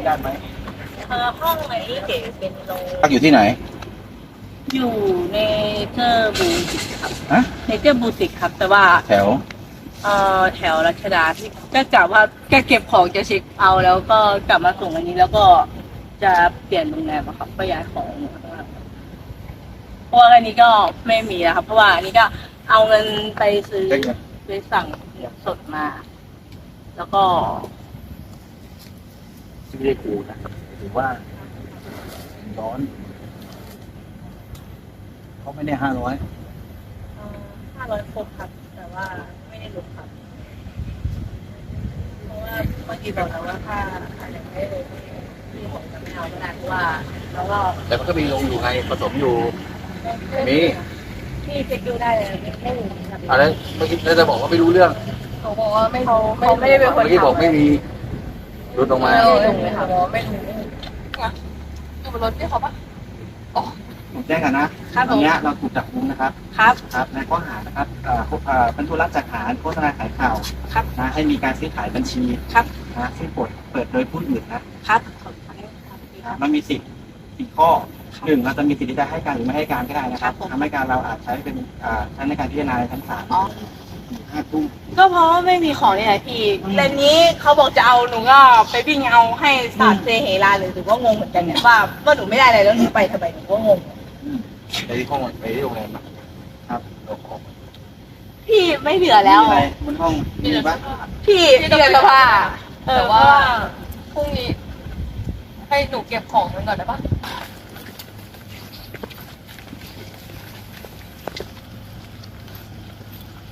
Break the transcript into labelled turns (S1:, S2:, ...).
S1: ญาตไหม
S2: ห้องไหนเก๋เป็นโรง
S1: พักอยู่ที่ไหน
S2: อยู่ในเจอร์บูติกครับ
S1: ฮะ
S2: ในเจอร์บูติกครับแต่ว่า
S1: แถว
S2: แถวรัชดาที่ก็กะว่าแกเก็บของจะเช็คเอาแล้วก็กลับมาส่งอันนี้แล้วก็จะเปลี่ยนโรงแรมอะครับก็ย้ายของเพราะว่าอันนี้ก็ไม่มีแล้วครับเพราะว่าอันนี้ก็เอาเงินไปซื้อไปสั่งสดมา แล้วก็
S1: ไม่ได้กูนะถือว่าร้อนเขาไม่ได้500
S2: 500 คนครับแต่ว่าไม่ได้ลดครับเพราะว่าเมื่อกี้บอกแล้วว่าถ้าอยากได้เลยที่ผมจะไม่เอาก็ได้เพราะว่าแล้วก็
S1: แต่มันก็มีลงอยู่ไงผสมอยู่มี
S2: ที่เช็คดูได้เลยไม่มีครับ
S1: อะไรเมื่อกี้จะบอกว่าไม่รู้เรื่อง
S2: เขาบอกว่าไม่เขาไม่ได้เป็นคน
S1: เมื่อกี้บอกไม่มีรุดออกมา
S2: ไม่ลงเลยค่ะไม่รู้อยู่บนรถที่เขาปะ
S1: ผมแจ้งกันนะครับตอนนี้เราถูกจับกุมนะครับครับในข้อหานะครับเป็นธุระจัดหาโฆษณาขายข่าว
S2: ครับ
S1: นะให้มีการซื้อขายบัญชี
S2: ครับ
S1: นะซึ่งเปิดโดยผู้อื่น
S2: ครับ
S1: มันมี10ข้อ1เราจะมีสิทธิ์ที่จะให้การหรือไม่ให้การก็ได้นะครับทำให้การเราอาจใช้เป็นใช้ในการพิจารณาในชั้นศาล5 ทุ่ม
S2: ก็เพราะว่าไม่มีของนี่แหละพี่แต่นี้เขาบอกจะเอาหนูก็ไปวิ่งเอาให้ศาสตร์เซเฮราเลยหรือว่างงเหมือนกันเนี่ยว่าหนูไม่ได้อะไรแล้วหนูไปทำไมหนูก็งง
S1: ไปที่ห้องไปที่โรงแรมครับเราขอ
S2: พี่ไม่เหลือแล้ว
S1: บนห้องมีปะ
S2: พี่เดือนละว่า
S3: แต่ว่าพรุ่งนี้ให้หนูเก็บของมันก่อนได้ปะ